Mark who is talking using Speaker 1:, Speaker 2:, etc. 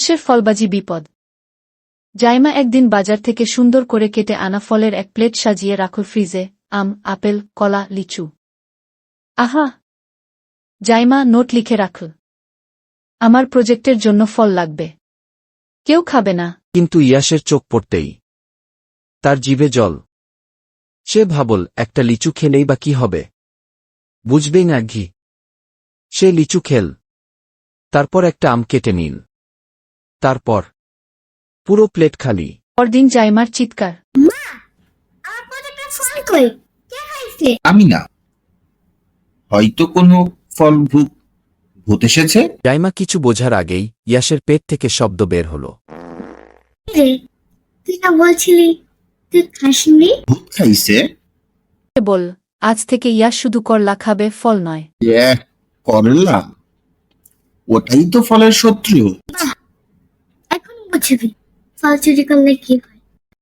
Speaker 1: উৎসের ফলবাজি বিপদ। জাইমা একদিন বাজার থেকে সুন্দর করে কেটে আনা ফলের এক প্লেট সাজিয়ে রাখল ফ্রিজে। আম, আপেল, কলা, লিচু। আহা! জাইমা নোট লিখে রাখল। আমার প্রজেক্টের জন্য ফল লাগবে। কেউ খাবে না।
Speaker 2: কিন্তু ইয়াসের চোখ পড়তেই তার জিভে জল। সে ভাবল, একটা লিচু খেলেই বা কি হবে? বুঝবেই না ঘি। সে লিচু খেল, তারপর একটা আম কেটে নিল, তারপর পুরো প্লেট খালি।
Speaker 1: পরদিন জাইমার চিৎকার।
Speaker 3: মা, আমার প্রজেক্টের ফল কই? কে খাইছে?
Speaker 4: আমি না, হয়তো কোনো ফল ভূত এসেছে।
Speaker 2: জাইমা কিছু বোঝার আগেই ইয়াসের পেট থেকে শব্দ বের হল।
Speaker 3: রে, তুই না বলছিলি তুই খাসনি?
Speaker 4: ভূত খাইছে?
Speaker 1: সে বল, আজ থেকে ইয়াস শুধু করলা খাবে, ফল নয়।
Speaker 4: করলা? ওটাই তো ফলের শত্রু।
Speaker 3: এখন বুঝবি ফল চুরি করলে কি হয়।